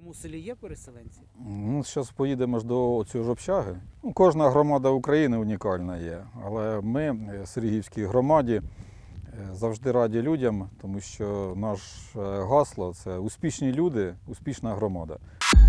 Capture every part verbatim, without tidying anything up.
вашому селі є переселенці? Ну, зараз поїдемо ж до цього ж общаги. Ну, кожна громада України унікальна є, але ми в Сергіївській громаді завжди раді людям, тому що наше гасло – це успішні люди, успішна громада.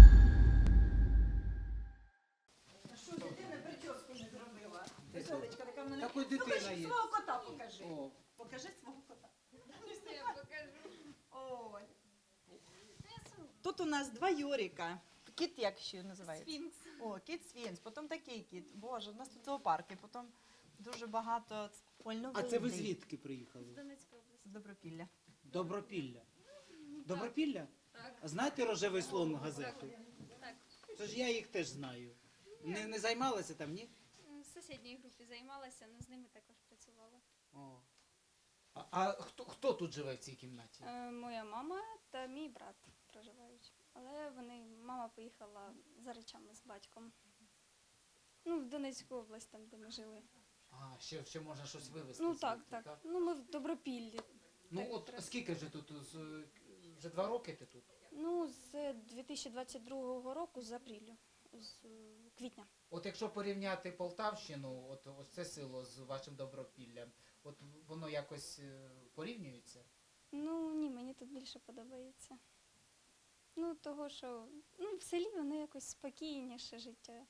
А що дитина прическу не зробила? Веселочка така в мене. Такої Ну, дитина покажи є. свого кота покажи. О. Покажи свого кота. Я покажу. Ой. Тут у нас два Йорика. Кіт як ще називається? Сфінкс. О, кіт Сфінкс, потім такий кіт. Боже, у нас тут зоопарки, потім дуже багато А це ви звідки приїхали? З Донецької області. З Добропілля. Добропілля. Добропілля? Так. А знаєте «Рожевий слон» газету? Так. Це ж я їх теж знаю. Не, не займалася там, ні? В сусідній групі займалася, але з ними також працювала. О. А, а хто, хто тут живе в цій кімнаті? Е, Моя мама та мій брат проживають. Але вони, мама поїхала за речами з батьком. Ну, в Донецьку область, там, де ми жили. А, ще, ще можна щось вивезти. Ну звідти, так, так. Ну ми в Добропіллі. Ну Так, от треба. скільки вже тут? З, вже два роки ти тут? Ну, з дві тисячі двадцять другого року, з апрілю, з е, квітня. От якщо порівняти Полтавщину, от ось це село з вашим Добропіллям, от воно якось е, порівнюється? Ну ні, мені тут більше подобається. Ну, того, що ну, в селі воно якось спокійніше життя.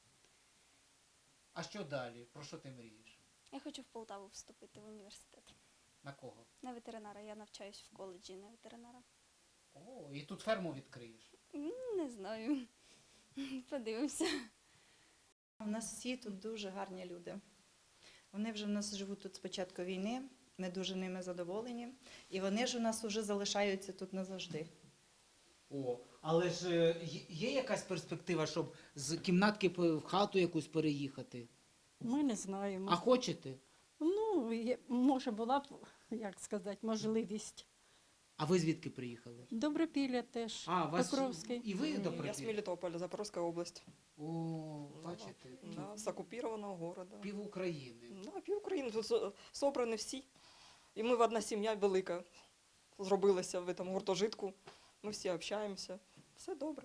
А що далі? Про що ти мрієш? Я хочу в Полтаву вступити в університет. На кого? На ветеринара. Я навчаюсь в коледжі на ветеринара. О, і тут ферму відкриєш. Ну, не знаю. Подивимося. У нас всі тут дуже гарні люди. Вони вже в нас живуть тут з початку війни, ми дуже ними задоволені. І вони ж у нас вже залишаються тут назавжди. О, але ж е, є- є якась перспектива, щоб з кімнатки по- в хату якусь переїхати? Ми не знаємо. А хочете? Ну, є- може була б, як сказати, можливість. А ви звідки приїхали? Добропілля теж, А, вас Покровський. і ви до Я с Мелитополя, Запорожская область. О, бачите, Да, с оккупированного города. пів України. Да, пів України. Тут со- собрані всі. І ми в одна сім'я велика зробилася в цьому гуртожитку. Ми всі общаємося. Все добре.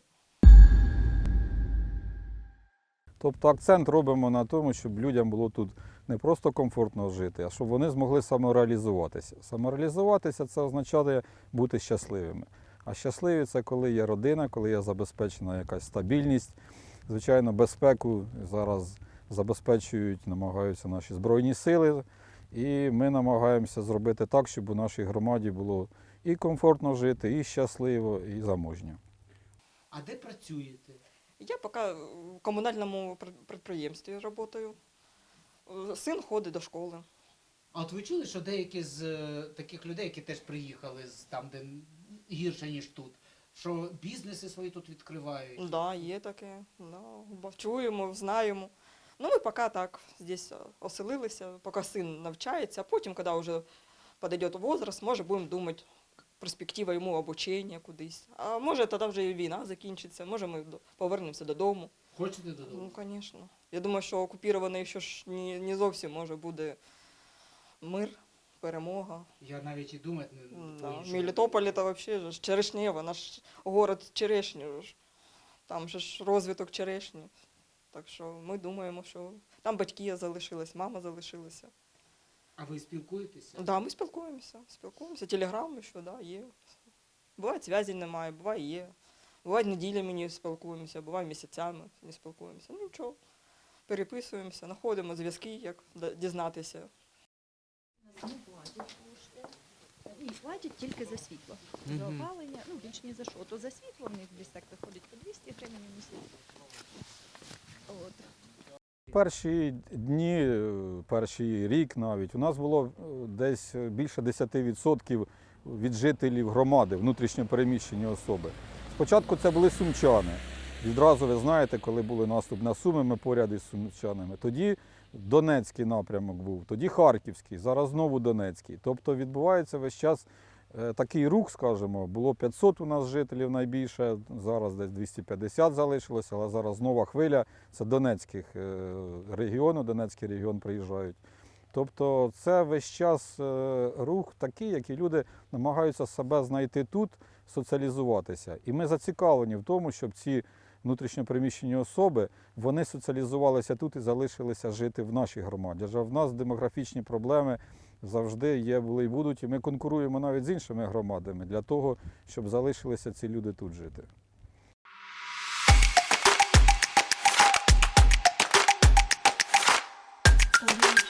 Тобто акцент робимо на тому, щоб людям було тут не просто комфортно жити, а щоб вони змогли самореалізуватися. Самореалізуватися – це означає бути щасливими. А щасливі – це коли є родина, коли є забезпечена якась стабільність. Звичайно, безпеку зараз забезпечують, намагаються наші Збройні Сили. І ми намагаємося зробити так, щоб у нашій громаді було і комфортно жити, і щасливо, і заможньо. А де працюєте? Я поки в комунальному пр- підприємстві працюю. Син ходить до школи. А от ви чули, що деякі з е, таких людей, які теж приїхали з там, де гірше, ніж тут, що бізнеси свої тут відкривають? Так, да, є таке. Да, бо чуємо, знаємо. Ну, ми поки так здесь оселилися, поки син навчається, а потім, коли вже підійде возраст, може будемо думати, перспектива йому обучення кудись. А може тоді вже і війна закінчиться, може ми до- повернемося додому. Хочете додому? Ну, звісно. Я думаю, що окупірований ще ж не, не зовсім може буде мир, перемога. Я навіть і думати не Да. по-іншому. Мелітополь це взагалі ж Черешнєво, наш город черешні. ж. Там же ж розвиток черешні. Так що ми думаємо, що там батьки залишились, мама залишилася. А ви спілкуєтеся? Да, ми спілкуємося, спілкуємося. Телеграм ще, да, є. Буває, зв'язі немає, буває є. Буває, неділями не спілкуємося, буває місяцями не спілкуємося. Ну нічого, переписуємося, знаходимо зв'язки, як да- дізнатися. Не платять кошти. Ні, платять тільки за світло. Мгм. За опалення, ну більш ні за що. То за світло в них десь так виходить по двісті гривень в місяць. От. Перші дні, е, перший рік навіть, у нас було е, десь більше десять відсотків від жителів громади, внутрішньо переміщені особи. Спочатку це були сумчани. Відразу ви знаєте, коли були наступ на Суми, ми поряд із сумчанами. Тоді Донецький напрямок був, тоді Харківський, зараз знову Донецький. Тобто відбувається весь час е, такий рух, скажімо, було п'ятсот у нас жителів найбільше, зараз десь двісті п'ятдесят залишилося, але зараз нова хвиля, це Донецьких е, регіону, Донецький регіон приїжджають. Тобто це весь час е, рух такий, який люди намагаються себе знайти тут, соціалізуватися. І ми зацікавлені в тому, щоб ці внутрішньопереміщені особи, вони соціалізувалися тут і залишилися жити в нашій громаді. Адже в нас демографічні проблеми завжди є, були і будуть, і ми конкуруємо навіть з іншими громадами для того, щоб залишилися ці люди тут жити. Audio